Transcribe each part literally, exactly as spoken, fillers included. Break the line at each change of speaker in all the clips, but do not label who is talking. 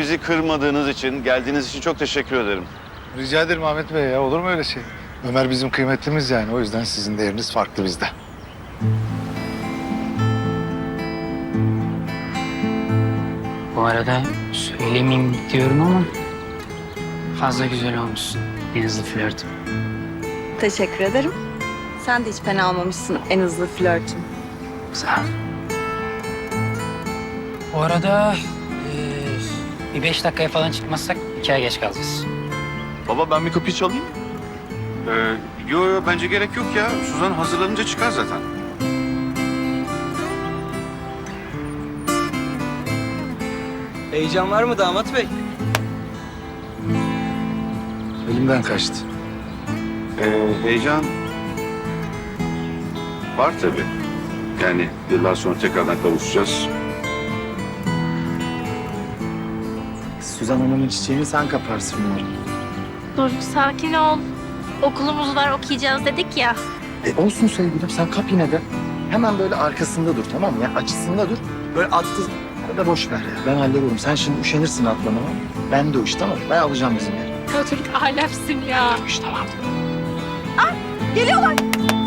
bizi kırmadığınız için, geldiğiniz için çok teşekkür ederim.
Rica ederim Ahmet Bey ya. Olur mu öyle şey? Ömer bizim kıymetlimiz yani. O yüzden sizin değeriniz farklı bizde.
Bu arada söylemeyeyim diyorum ama fazla güzel olmuşsun. En hızlı flörtüm.
Teşekkür ederim. Sen de hiç fena olmamışsın en hızlı flörtüm.
Sağ ol. Bu arada eee, bir beş dakikaya falan çıkmazsak iki ay geç kalacağız.
Baba ben bir kapıyı çalayım. Ee, yo yo bence gerek yok ya. Suzan hazırlanınca çıkar zaten.
Heyecan var mı damat bey?
Elimden kaçtı.
Ee, heyecan var tabii. Yani yıllar sonra tekrardan kavuşacağız.
Suzan Hanım'ın çiçeğini sen kaparsın umarım.
Dur, sakin ol. Okulumuz var, okuyacağız dedik ya.
E olsun sevgilim, sen kap yine de. Hemen böyle arkasında dur, tamam mı? Ya açısında dur. Böyle attı. Ya da boş ver ya. Ben hallederim. Sen şimdi üşenirsin atlamama. Ben de o iş, tamam mı? Ben alacağım bizim yeri.
Kötülük alemsin ya.
O iş tamam.
Geliyorlar.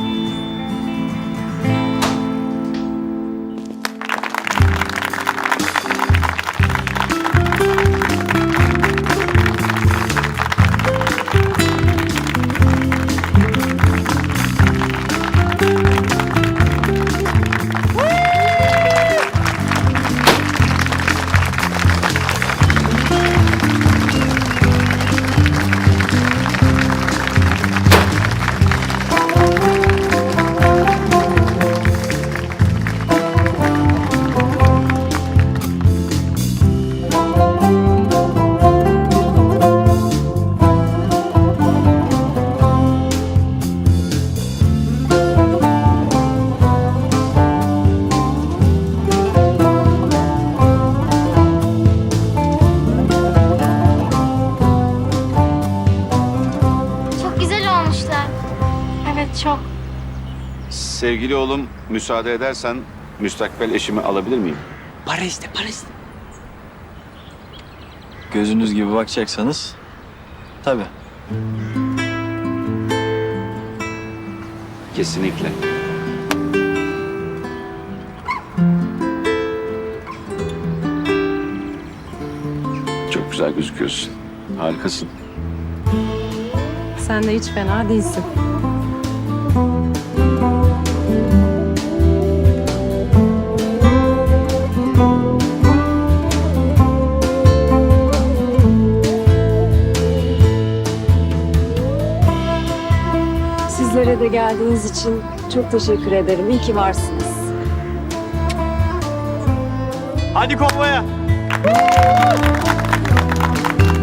Çok güzel olmuşlar. Evet, çok.
Sevgili oğlum müsaade edersen müstakbel eşimi alabilir miyim?
Para iste, para iste.
Gözünüz gibi bakacaksanız tabii.
Kesinlikle. Çok güzel gözüküyorsun. Harikasın.
Sen de hiç fena değilsin. Sizlere de geldiğiniz için çok teşekkür ederim. İyi ki varsınız.
Hadi konvoya.